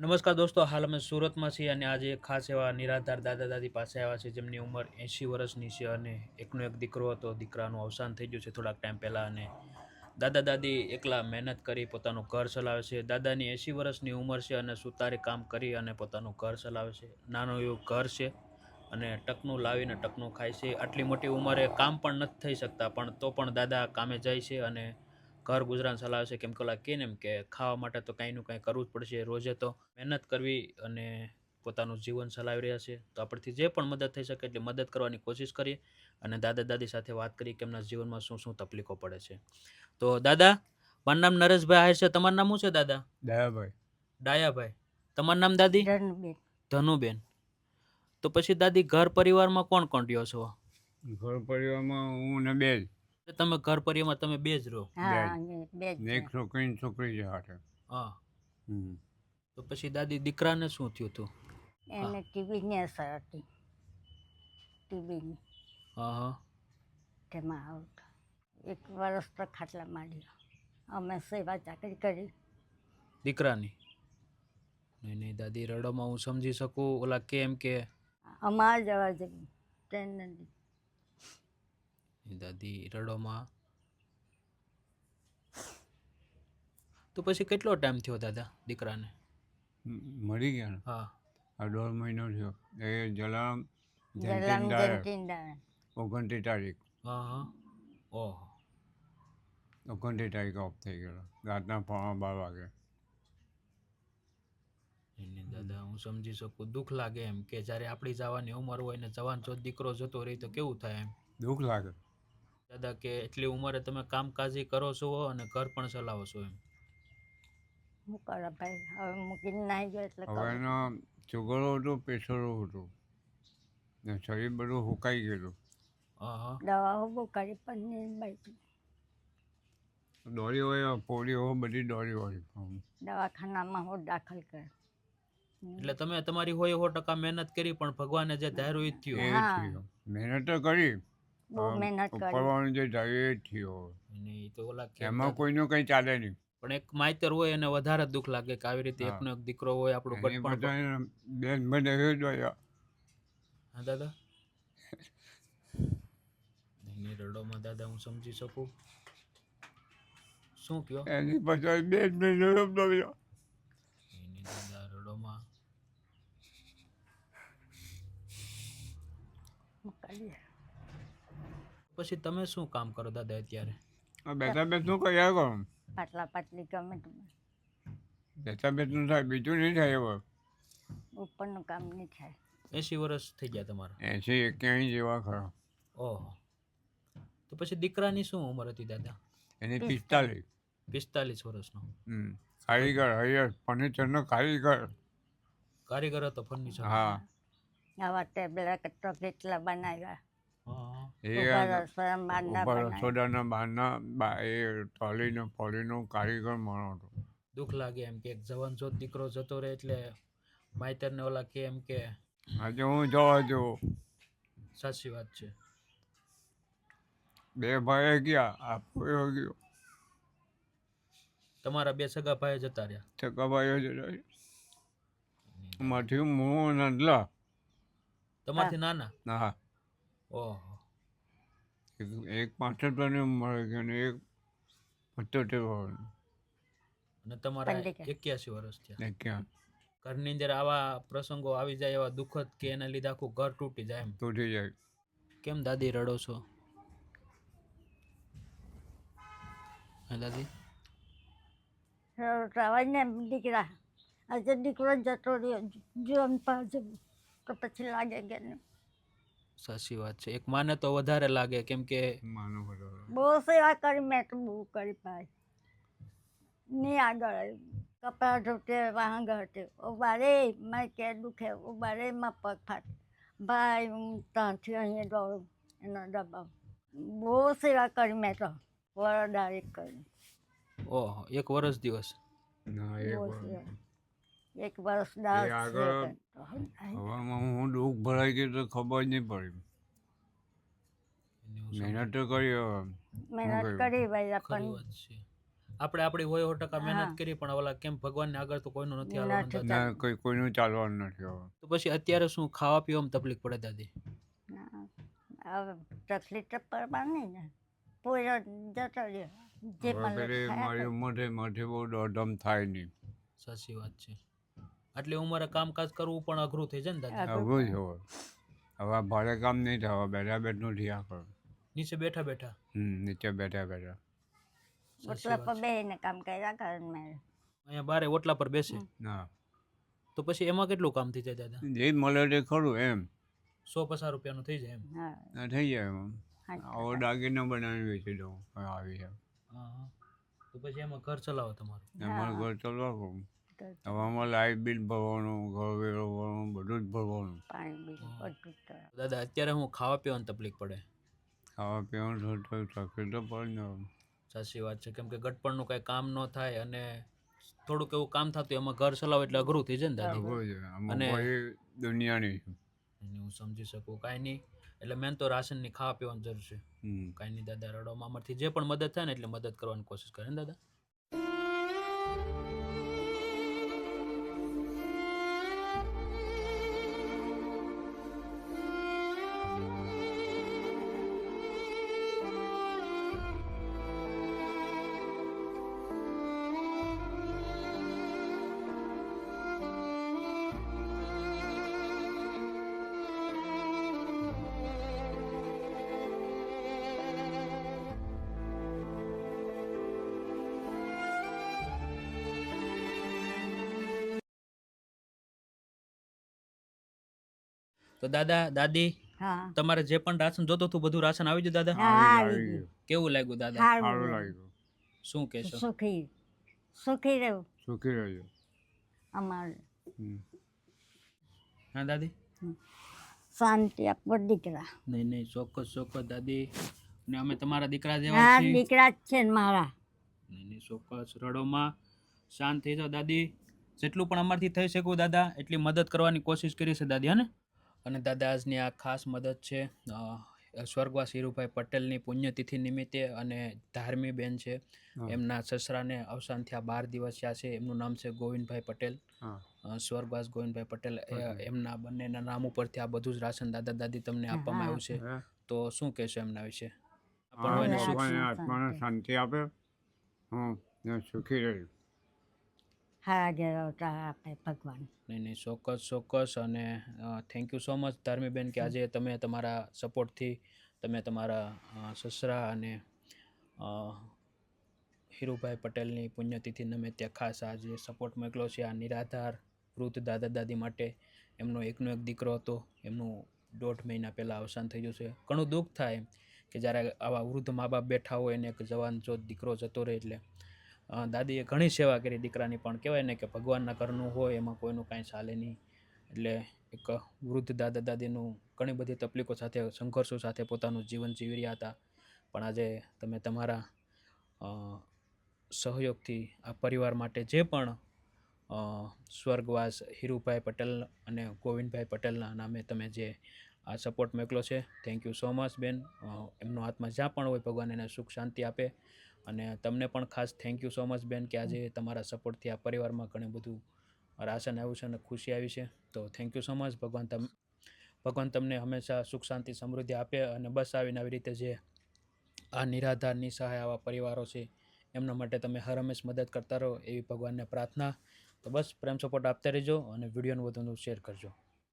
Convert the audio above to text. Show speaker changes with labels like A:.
A: નમસ્કાર દોસ્તો, હાલ અમે સુરતમાં છીએ અને આજે એક ખાસ એવા નિરાધાર દાદા દાદી પાસે આવ્યા છે જેમની ઉંમર 80 વર્ષની છે અને એકનો એક દીકરો હતો. દીકરાનું અવસાન થઈ ગયું છે થોડાક ટાઈમ પહેલાં અને દાદા દાદી એકલા મહેનત કરી પોતાનું ઘર ચલાવે છે. દાદાની 80 વર્ષની ઉંમર છે અને સુતારે કામ કરી અને પોતાનું ઘર ચલાવે છે. નાનું એવું ઘર છે અને ટકનું લાવીને ટકનું ખાય છે. આટલી મોટી ઉંમરે કામ પણ નથી થઈ શકતા, પણ તો પણ દાદા કામે જાય છે અને ઘર ગુજરાન ચલાવે છે. કેમ કે ઓલા કે ને એમ કે ખાવા માટે તો કાંઈનું કાંઈ કરવું જ પડશે. રોજે તો મહેનત કરવી અને પોતાનું જીવન ચલાવી રહ્યા છે. તો આપણથી જે પણ મદદ થઈ શકે એટલી મદદ કરવાની કોશિશ કરીએ અને દાદા દાદી સાથે વાત કરીએ કે એમના જીવનમાં શું શું તકલીફો પડે છે. તો દાદા, મારું નામ નરેશભાઈ આહિર છે. તમારું નામ શું છે દાદા?
B: દયાભાઈ.
A: ડાયાભાઈ. તમારું નામ દાદી?
C: ધનુબેન.
A: ધનુબેન. તો પછી દાદી, ઘર પરિવારમાં કોણ કોણ રહ્યો છો?
B: ઘર પરિવારમાં હું ને બે જ.
A: તમે ઘર પરિવારમાં તમે બે જ રહો?
C: હા, બે જ
B: ને એક છોકરી ને છોકરી છે હાથે.
A: હા.
B: હમ.
A: તો પછી દાદી, દીકરાને શું થયું હતું?
C: એને ટીબીની અસર હતી. ટીબીની
A: હા હા.
C: તેમાં આવતા 1 વર્ષ તો ખાટલા માંડ્યો. અમે સેવા ચાકરી કરી.
A: દીકરાની? નહીં નહીં દાદી, રડોમાં હું સમજી શકું. ઓલા કેમ કે
C: અમારે જવા જેવું ટ્રેન નથી.
A: દાદી રડોમાં. તો પછી કેટલો ટાઈમ થયો દાદા દીકરાને?
B: મરી ગયા ને?
A: હા.
B: આ 1.5 મહિનો થયો. એ જલારામ
C: જલામ
B: જયંતી
C: જયંતીદાન
B: 29 તારીખ.
A: હા હા. ઓહો.
B: 29 તારીખે ઓફ થઈ ગયેલો રાતના 12:15 વાગે.
A: નહીં દાદા, હું સમજી શકું. દુઃખ લાગે એમ કે જ્યારે આપણી જવાની ઉંમર હોય ને જવાન જો દીકરો જતો રહી તો કેવું થાય એમ.
B: દુઃખ લાગે
A: દાદા કે એટલી ઉંમરે તમે કામકાજી કરો છો અને ઘર પણ ચલાવો છો એમ.
C: શું કરો ભાઈ, હવે મૂકીને નાહી ગયો એટલે
B: હવે એનો સુગરો હતો, પ્રેશરો હતો ને શરીર બધું સુકાઈ ગયેલું.
A: હા હા.
C: દવાઓ બહુ કરી પણ નહીં ભાઈ.
B: દોરી હોય, પોળી હોય, બધી દોરી હોય.
C: દવાખાનામાં હું દાખલ કરે.
A: એટલે તમે તમારી હોય 100% મહેનત કરી, પણ ભગવાને જે ધાર્યું એ જ થયું.
B: એ જ
C: હા.
B: થયો. મહેનત તો કરી,
C: બહુ મહેનત કરી.
B: ઉપરવાળું જે ધાર્યું એ જ થયો.
A: અને એ તો ઓલા કે
B: એમાં કોઈનું કંઈ ચાલે નહીં.
A: પણ એક માઈતર હોય એને વધારે દુઃખ લાગે કે આવી રીતે
B: હા.
A: એકનો એક દીકરો હોય આપણું
B: એની
A: ગટપણ.
B: બધા બેન મને એ જ હોય.
A: હા દાદા. નહીં રડોમાં દાદા, હું સમજી શકું. શું કયો?
B: એની પછી બેન મને રમતો ગયો.
A: નહીં દાદા, રડોમાં.
C: મોકલીએ.
A: પછી તમે શું કામ કરો દાદા અત્યારે?
B: બેઠા બેઠું કર્યા કરો.
C: પાટલા પાટલી ગમે તે
B: બેઠા બેઠું થાય, બીજું નહીં થાય. હવે
C: ઉપરનું કામ નહીં થાય.
A: 80 વર્ષ થઈ ગયા તમારા?
B: 80-81 જેવા ખરા.
A: ઓહો. તો પછી દીકરાની શું ઉંમર હતી દાદા?
B: એની 45.
A: 45 વર્ષનો.
B: કારીગર, હૈયર ફર્નિચરનો કારીગર.
A: કારીગર હતો ફર્નિચર?
B: હા.
C: આવા ટેબલા કેટલા બનાવ્યા.
A: હા.
B: એ
C: ઉપર
B: રસોડાના બહારના એ ટોલીનો ફોલીનો કારીગર માણો હતો.
A: દુઃખ લાગે એમ કે એક જવાન જો દીકરો જતો રહે એટલે માઈતરને ઓલા કે એમ કે.
B: આજે હું જોવા જેવું.
A: સાચી વાત છે.
B: 2 ભાઈ ગયા, આપો ગયો.
A: તમારા 2 સગા ભાઈ જતા રહ્યા?
B: સગા ભાઈઓ જતા. માથી હું નંદલા.
A: તમારથી નાના?
B: હા.
A: ઓહો.
B: એક 65 વર્ષની ઉંમર ગઈ અને એક 75 વર્ષની.
A: અને તમારા 81 વર્ષ થયા.
B: ક્યાં
A: ઘરની અંદર આવા પ્રસંગો આવી જાય એવા દુઃખદ કે એના લીધે આખું ઘર તૂટી જાય એમ?
B: તૂટી જાય.
A: કેમ દાદી રડો છો? હા દાદી.
C: રવાય ને દીકરા, આજે દીકરો જતો રહ્યો જીવન પાછો તો પછી લાગે કે નહીં.
A: સાચી વાત છે. એક માને તો વધારે લાગે કેમ કે
B: માનો બધો.
C: બહુ સેવા કરી મેં તો બહુ કરી ભાઈ. નહીં આગળ કપડાં ધોતે વાહન ઘરતે ઉભા રે મારે કે દુખે ઉભા રે માં પગ ફાટે ભાઈ હું ત્યાંથી અહીંયા દોડું એનો દબાવ. બહુ સેવા કરી મેં તો વરદારી કરી.
A: ઓહો, 1 વર્ષ દિવસ?
B: ના,
C: બહુ સેવા. 1 વર્ષ દાસ
B: હવામાં હું દુઃખ ભરાઈ ગયું તો ખબર જ નહીં પડી. મહેનત તો કરી.
C: મહેનત કરી ભાઈ
A: ખરી
C: આપણને.
A: વાત છે. આપણે આપણી હોય 100%
C: હા.
A: મહેનત કરી પણ ઓલા કેમ ભગવાનને આગળ તો કોઈનું નથી હાલવાનું
C: નથી
A: દાદા.
B: ના કોઈનું ચાલવાનું નથી હવે.
A: તો પછી અત્યારે શું ખાવા પીવામાં તકલીફ પડે દાદી?
C: હવે તકલીફ તો પડવાની ને પૂરો જતો રહ્યો જે
B: હવે
C: મળે તે
B: પેલી
C: ખાયા
B: મારી
C: કરે.
B: ઉંમરે માથી બહુ દોડધામ થાય નહીં.
A: સાચી વાત છે. આટલી ઉંમરે કામકાજ કરવું પણ અઘરું થઈ જાય ને દાદી.
B: આવું જ હવે. હવે ભારે કામ નહીં થાય, હવે બેઠા બેઠનું થયા કરે.
A: નીચે બેઠા બેઠા.
B: નીચે બેઠા બેઠા.
A: સાચી
C: ઓટલા
A: વાત
C: પર
A: છે.
C: બેસીને કામ કર્યા કરે ને મારે.
A: અહીંયા બારે ઓટલા પર બેસે
B: ના
A: તો પછી એમાં કેટલું કામ થઈ જાય દાદા?
B: જે મળે તે ખરું એમ.
A: 100-50 રૂપિયાનું થઈ જાય એમ.
C: હા
B: આ થઈ જાય એમ.
C: હા.
B: આવો દાગીના બનાવીને વેચી દઉં હવે આવી છે.
A: હા હા. તો પછી એમાં ઘર ચલાવો તમારું.
B: અમારું ઘર ચાલવા કહું. હવે અમારે લાઇટ બિલ ભરવાનું, ઘર વેરો ભરવાનું, બધું જ ભરવાનું.
C: પાણી બિલ બધું જ તો.
A: દાદા અત્યારે હું ખાવા પીવાની તકલીફ પડે.
B: ખાવા પીવાનું થોડું તકલીફ તો પડે ને હવે.
A: સાચી વાત છે કેમ કે ગટપણનું કાંઈ કામ ન થાય અને થોડુંક એવું કામ થતું એમાં ઘર ચલાવો એટલે અઘરું થઈ જાય ને દાદી.
B: આવું છે આમાં
A: અને-
B: કોઈ દુનિયાની છે.
A: અને હું સમજી શકું કાંઈ નહીં. એટલે મેન તો રાશનની ખાવા પીવાની જરૂર છે.
B: હમ.
A: કાંઈ નહીં દાદા, રડોમાં અમારથી જે પણ મદદ થાય ને એટલે મદદ કરવાની કોશિશ કરે ને દાદા. તો દાદા દાદી
C: હા
A: તમારે જે પણ રાશન જોતું હતું બધું રાશન આવી ગયું દાદા?
C: હા
B: આવી
C: આવી
B: ગયું.
C: ગયું.
A: કેવું લાગ્યું દાદા?
B: સારું
C: સારું
B: લાગ્યું.
A: શું કહેશો?
C: સુખી સુખી રહેવું
B: સુખી રહેજો.
C: અમારે
B: હમ.
A: હા દાદી?
C: શાંતિ આપો દીકરા.
A: નહીં નહીં, ચોક્કસ દાદી. ને અમે તમારા દીકરા જેવા
C: હા
A: છીએ.
C: દીકરા જ છે ને મારા.
A: નહીં નહીં, ચોક્કસ. રડોમાં શાંત થઈ જાઓ દાદી. જેટલું પણ અમારથી થઈ શકું દાદા એટલી મદદ કરવાની કોશિશ કરી છે દાદી, હને? અને દાદા આજની આ ખાસ મદદ છે સ્વર્ગવાસ હીરુભાઈ પટેલની પુણ્યતિથિ નિમિત્તે. અને ધાર્મી બેન છે,
B: હા.
A: એમના સસરાને અવસાન થયા 12 દિવસ થયા છે. એમનું નામ છે ગોવિંદભાઈ પટેલ,
B: હા.
A: સ્વર્ગવાસ ગોવિંદભાઈ પટેલ.
B: પટેલ.
A: એમના બંનેના નામ ઉપરથી આ બધું જ રાશન દાદા દાદી તમને આપવામાં આવ્યું છે.
B: હે?
A: તો શું કહેશો એમના વિશે?
B: હા,
A: પણ એને સુખ
B: ભગવાન આત્માને શાંતિ આપે. ને સુખી રહે.
C: હારા ઘેર અવતાર આપે ભગવાન.
A: નહીં નહીં, ચોક્કસ. અને thank you so much Dharmiben કે આજે તમે તમારા સપોર્ટથી તમે તમારા સસરા અને હીરુભાઈ પટેલની પુણ્યતિથિ નિમિત્તે ખાસ આજે સપોર્ટ મોકલ્યો છે આ નિરાધાર વૃદ્ધ દાદા દાદી માટે. એમનો એકનો એક દીકરો હતો, એમનું 1.5 મહિના પહેલાં અવસાન થઈ ગયું છે. ઘણું દુઃખ થાય કે જ્યારે આવા વૃદ્ધ મા બાપ બેઠા હોય અને એક જવાન જો દીકરો જતો રહે એટલે દાદીએ ઘણી સેવા કરી દીકરાની. પણ કહેવાય ને કે ભગવાનના ઘરનું હોય એમાં કોઈનું કાંઈ ચાલે નહીં. એટલે એક વૃદ્ધ દાદા દાદીનું ઘણી બધી તકલીફો સાથે સંઘર્ષો સાથે પોતાનું જીવન જીવી રહ્યા હતા. પણ આજે તમે તમારા સહયોગથી આ પરિવાર માટે જે પણ સ્વર્ગવાસ હીરુભાઈ પટેલ અને ગોવિંદભાઈ પટેલના નામે તમે જે આ સપોર્ટ મોકલો છે, થેન્ક યુ સો મચ બેન. એમનો આત્મા જ્યાં પણ હોય ભગવાન એને સુખ શાંતિ આપે. અને તમને પણ ખાસ થેન્ક યુ સો મચ બેન કે આજે તમારા સપોર્ટથી આ પરિવારમાં ઘણું બધું રાશન આવ્યું છે અને ખુશી આવી છે. તો થેન્ક યુ સો મચ. ભગવાન તમને હંમેશા સુખ શાંતિ સમૃદ્ધિ આપે. અને બસ આવીને આવી રીતે જે આ નિરાધાર નિસહાય આવા પરિવારો છે એમના માટે તમે હર હંમેશ મદદ કરતા રહો એવી ભગવાનને પ્રાર્થના. તો બસ પ્રેમ સપોર્ટ આપતા રહેજો અને વિડીયોનું વધુ શેર કરજો.